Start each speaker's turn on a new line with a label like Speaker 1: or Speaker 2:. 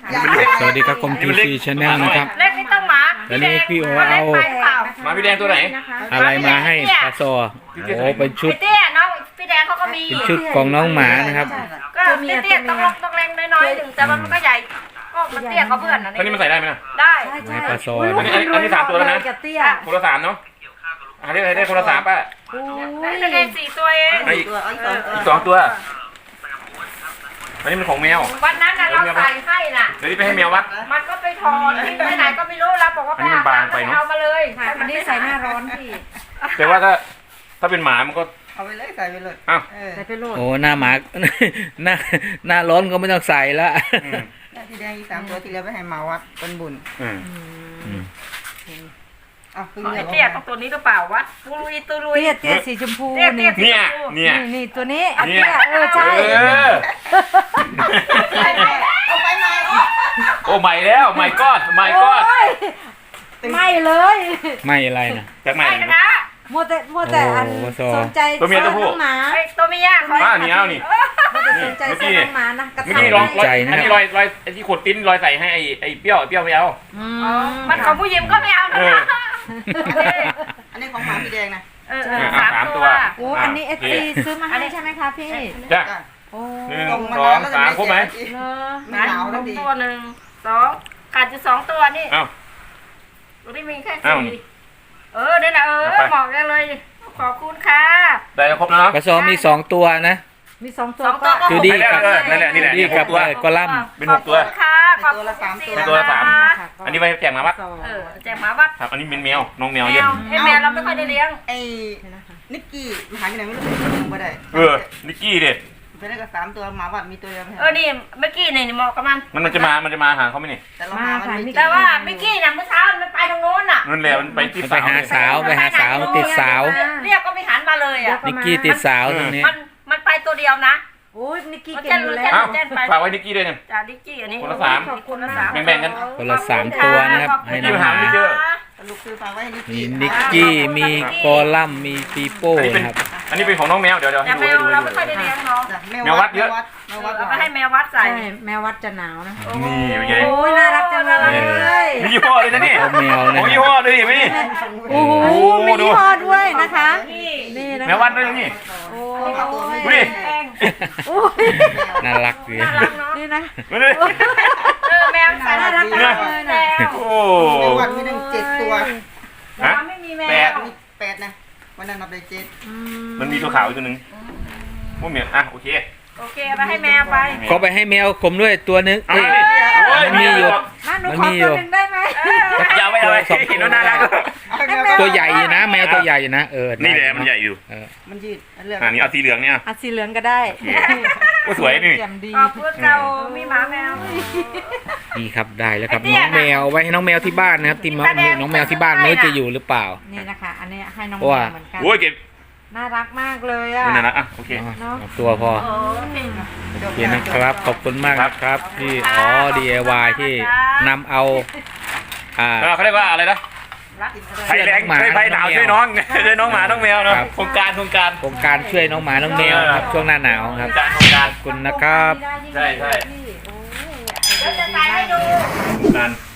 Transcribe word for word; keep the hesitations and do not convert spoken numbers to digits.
Speaker 1: สวัสดีครับคมทีซีชาแนลนะครับ
Speaker 2: เล็กไม่ต้องหมา
Speaker 1: แล้วนี่พี่โอเอา
Speaker 3: หมาพี่แดงตัวไหน
Speaker 1: อะไรมาให้ปลาซอโอ้เป็นชุด
Speaker 2: พี่เตี้ยน้องพี่แดงเขาก็มี
Speaker 1: เป็นชุดของน้องหมานะครับ
Speaker 2: ก็เตี้ยต้องลงต้องแรงน้อยๆหนึ่งแต่มันก็ใหญ่ก็มันเตี้ยเขาเพื่อนนะ
Speaker 3: ตัวนี้มันใส่ได้ไหมนะ
Speaker 2: ได้
Speaker 1: ให้ปลาซอ
Speaker 3: อันนี้อันนี้สามตัวแล้วนะ
Speaker 4: กับเตี้ย
Speaker 3: คนละสามเนาะอันนี้ได้คนละสามป่ะ
Speaker 4: โอ้ย
Speaker 2: ได้แค่สี่ตัวเอง
Speaker 3: อีกอีกสองตัวอันนี้มันของแมว
Speaker 2: วันนั้นน่ะเราใส่ให้น่ะ
Speaker 3: เดี๋ยวนี้ไปให้แมววัด
Speaker 2: มันก็ไปถอนที่ไปไหนก็ไม่รู้เราบอกว่าไปหาเอามาเลย
Speaker 4: ค่ะอันนี้ใส่หน้าร้อนพี่
Speaker 3: แต่ว่าถ้าถ้าเป็นหมามันก็
Speaker 5: เอาไปเลยใส่ไปเลย
Speaker 3: อ้าว
Speaker 5: เออ
Speaker 4: ใส่ไปโหลด
Speaker 1: โอ้หน้าหมา หน้าหน้าร้อนก็ไม่ต้องใส่ละ
Speaker 3: อืม
Speaker 5: ที่แดงอีกสามตัวที่เหลือไปให้หมาวัดเป็นบุญ
Speaker 3: อืม
Speaker 1: อืม
Speaker 5: อ่ะเพิ่ง
Speaker 2: ไอ้
Speaker 5: เลือก
Speaker 2: เตี้ยต้องตัวนี้หรือเปล่าวะตุลุยตุลุย
Speaker 4: เตี้ยเตี้ยสีชมพู
Speaker 2: เตี้ยเตี้
Speaker 4: นี่
Speaker 2: ย
Speaker 3: เนี่ยเนี่ย
Speaker 4: นี่นี่ตัวนี้
Speaker 3: เนี่ย
Speaker 4: เตี้ยเออใช่
Speaker 3: เออ
Speaker 5: เอาไปไหม
Speaker 3: โอ้ใหม่แล้วใหม่ก้อนใหม่ก้อน
Speaker 4: โอ้ยไม่เลย
Speaker 1: ไม่อะไรนะ
Speaker 3: จากใหม่
Speaker 2: ไม่นะ
Speaker 4: โมวแต่โมวแต่อัน
Speaker 1: โอ้โห
Speaker 4: สนใจ
Speaker 3: ตัวเมียตัวผู้
Speaker 4: น้องหมา
Speaker 2: ไอ้ตัวเมียเขา
Speaker 3: อ่านี่เอานี่
Speaker 4: โมวแต่สนใจ
Speaker 3: เมื่อกี้
Speaker 4: ใส่น้องหมานะกระ
Speaker 3: เมื่อ
Speaker 4: ต่า
Speaker 3: กี้
Speaker 4: ย
Speaker 3: ลองรอยอันนี้รอยรอยไอ้ที่ขดติ้นรอยใส่ให้ไอ้ไอ้เปรี้ยวไอ้เปรี้ยวไม่เอา
Speaker 4: อื
Speaker 2: มันของผู้หญิงก็ไม่เอานะ
Speaker 3: เออ
Speaker 5: อันนี้ของหมาพี่แดงนะ
Speaker 2: เออ
Speaker 3: อ่ะสามตัว
Speaker 4: โอ้อันนี้เอฟซีซื้อมาให้ใช่ไหมคะพี่
Speaker 3: จ้ะ
Speaker 5: จ้ะ
Speaker 4: โอ้
Speaker 3: หนึ่ง
Speaker 5: ตรงมา
Speaker 3: สอง
Speaker 5: แล้ว
Speaker 3: สามครบไหม
Speaker 4: เลอ
Speaker 5: ไม่หนาวแล้วดี
Speaker 2: ตัวหนึ่งสองขาดอยู่สองตัวนี่
Speaker 3: เอ้า
Speaker 2: ตัวนี้มีแค่
Speaker 3: อ้าว
Speaker 2: สี่เออเนี่ยนะเออ
Speaker 3: เอาไป
Speaker 2: เหมาะกันเลยขอบคุณค่ะ
Speaker 3: ได้แล้วครบแล้วเนาะ
Speaker 1: ปลาซอมีสองตัวนะ
Speaker 4: มีสองตัว
Speaker 2: สองตัว
Speaker 4: ก็
Speaker 2: ก็
Speaker 1: คือดี
Speaker 3: ได้
Speaker 1: กับ
Speaker 3: เออนั่นแหละนี่แหละ
Speaker 1: ดีกับ
Speaker 3: ตัว
Speaker 1: เอ่อกอลัมน์
Speaker 3: เป็นหกตัว
Speaker 2: ขอบคุณค่ะขอบคุณ
Speaker 3: เป็นตัวละสาม
Speaker 2: ค่ะ
Speaker 3: อันนี้ไปแจกหมาวัด
Speaker 2: เออแจกหมาวัด
Speaker 3: ครับอันนี้เป็นแมวน้องแมว
Speaker 2: แม
Speaker 3: เยอะ
Speaker 2: วไอ้แมวเราไม่ค่อยได้เลี้ยง
Speaker 5: ไอ้นิกกี้หายไปไหนไม่รู้เป็นลงไปได้
Speaker 3: เออนิกกี้เด็ด
Speaker 5: ไปได้กับสามตัวหมาวัดมีตัวเดียวไป
Speaker 2: เออนี่เมื่อกี้นี่เหมาะกับมัน
Speaker 3: มันมันจะมามันจะมาหาเขาไหมนี่
Speaker 5: แต่เราหามันไม่เจอ
Speaker 2: แต่ว่าเมื่อกี้น่ะเมื่อเช้ามันไปทางโน้นน่ะ
Speaker 3: นั่นแหละมันไปที่
Speaker 1: มันไป
Speaker 3: สาว
Speaker 1: หา
Speaker 3: เนี่ย
Speaker 1: สาวไปหาสาวติดสาว
Speaker 2: เรียกก็ไม่หันมาเลยอ่ะ
Speaker 1: นิกกี้ติดสาวตรงนี้
Speaker 2: มันมันไปตัวเดียวนะ
Speaker 4: โอ้ยนิกกี้
Speaker 2: มัน
Speaker 4: เก่งอยู่
Speaker 2: จะ
Speaker 4: แล้ว
Speaker 3: เอ้า
Speaker 2: แจ้งไป
Speaker 3: ฝากไว้นิกกี้ด้วยเนี่ย
Speaker 2: จากดิกกี้อันนี้
Speaker 3: คนละสาม
Speaker 4: ขอบคุณ
Speaker 2: ละ
Speaker 4: นะ
Speaker 2: สาม
Speaker 3: แบ่งๆกัน
Speaker 1: คนละสามตัวนะครับให้น้องหมา
Speaker 3: ไม่เจอ
Speaker 5: ลูกคือฝากไว้ให้นิก
Speaker 1: มี
Speaker 5: กี้
Speaker 1: นิกกี้มีกอลัมน์มีปีโป้
Speaker 3: อันนี้เป็น
Speaker 1: นะครับ
Speaker 3: อันนี้เป็นของน้องแมวเดี๋ยวเดี๋ยว
Speaker 2: แต่
Speaker 3: ให้ดู
Speaker 2: แม
Speaker 3: ให้
Speaker 2: ว
Speaker 3: ดู
Speaker 2: เราไม่ค่อยได้เลี้ยงเนาะ
Speaker 5: จ้ะ
Speaker 3: แมววัดเยอะ
Speaker 5: แมววัด
Speaker 2: เอาไปให้แมววัดใส่
Speaker 4: ใช่แมววัดจะหนาวนะ
Speaker 3: นี่เป็นไง
Speaker 4: โอ้ยน่ารักจังเลย
Speaker 3: มียี่ห้อเลยนะนี่
Speaker 1: เอาแมว
Speaker 3: ข
Speaker 1: นะ
Speaker 3: อง
Speaker 1: ค
Speaker 3: ยี่
Speaker 1: รับ
Speaker 3: ห้อด้วยดิไหมนี่
Speaker 4: โอ้โห
Speaker 3: โอ้โห
Speaker 4: มี
Speaker 3: ดู
Speaker 4: ยี่ห้อด้วยนะคะ
Speaker 2: นี่
Speaker 4: นี่นะ
Speaker 3: แมววัดด้วยนี่
Speaker 4: โอ้
Speaker 3: อุ้ย
Speaker 4: ย
Speaker 2: แพง
Speaker 4: โอ้ย
Speaker 1: น่ารักดี
Speaker 2: น่ารักเนาะ
Speaker 4: นี่นะ
Speaker 3: มาเลย
Speaker 2: เออแมวใส่
Speaker 4: น่ารักจังเลยนะ
Speaker 2: แมว
Speaker 3: โอ้
Speaker 5: แมววัดมีตั้งเจ็ดตัว
Speaker 2: แมวไม่มีแม
Speaker 3: แปด
Speaker 2: ว
Speaker 5: มีแปดนะวันนั้นนับได้เจ็ด
Speaker 4: อื
Speaker 3: มันมีตัวขาวอีกตัวหนึ่งพวกเมียอ่ะโอเค
Speaker 2: โอเคเอาไปให้แมวไป
Speaker 1: ก็ไปให้แมวผมด้วยตัวนึง
Speaker 3: เอา
Speaker 1: เอ้ย
Speaker 3: ไปโอ้ย
Speaker 1: มันมีอยู่
Speaker 4: มาหนู
Speaker 1: มัน
Speaker 4: ขอ
Speaker 1: มีอยู่
Speaker 4: ตัวหนึ่งได้ไหม
Speaker 3: อย่าไปเอาไป
Speaker 1: สองตัว
Speaker 3: เห็นว่าน่ารัก
Speaker 1: ตัวใหญ่อยู่นะ แมวตัวใหญ่อยู่นะเออ
Speaker 3: นี่แหละมันใหญ่อยู่
Speaker 1: เออ
Speaker 5: มันยืดเลือก
Speaker 3: อ่านี่เอาสีเหลืองเนี่ย
Speaker 4: อัดสีเหลืองก็ได้
Speaker 3: โอ้สวยนี่
Speaker 4: แจ่มดี
Speaker 2: ขอบคุณเรามีหมาแมว
Speaker 1: นี่ครับได้แล้วครับ
Speaker 2: ไอ้เตี้
Speaker 1: น้
Speaker 2: ย
Speaker 1: องแมวไว้ให้น้องแมวที่บ้านนะครับที่
Speaker 2: มีตาแดง
Speaker 1: น้องแมวที่บ้านไม่รู้จะอยู่หรือเปล่า
Speaker 4: นี่นะคะ อันนี้ให้น้อง
Speaker 1: เพราะว่า
Speaker 4: เหมือนกัน
Speaker 3: โอ้ยเก็บ
Speaker 4: น่ารักมากเลยอ่ะ
Speaker 3: มันน่ารักอ่ะโอเค
Speaker 1: เอาเอาตัวพอ
Speaker 2: โอ้ย
Speaker 1: โอเคนะครับขอบคุณมากนะครับที่อ๋อ ดี ไอ วาย ที่นำเอาอ่า
Speaker 3: เออเขาเรียกว่าอะไรนะ
Speaker 2: รัก
Speaker 3: ไฟแรง
Speaker 1: หมา
Speaker 3: ช่วยไฟหนาว
Speaker 1: น้องแมว
Speaker 3: ช่วยน้องช่วยน้องหมาน้องแมวเนาะ
Speaker 1: ครับ
Speaker 3: โครงการโครงการ
Speaker 1: โครงการช่วยน้องหมาน้องแมวนะครับช่วงหน้าหนาว
Speaker 3: โค
Speaker 1: ค
Speaker 3: ร
Speaker 1: รับ
Speaker 3: งการโครงการ
Speaker 1: ขอบคุณนะครับ
Speaker 3: ใช่ใช่
Speaker 2: เดี๋ยวจะใส่ให้ดู
Speaker 3: นั่น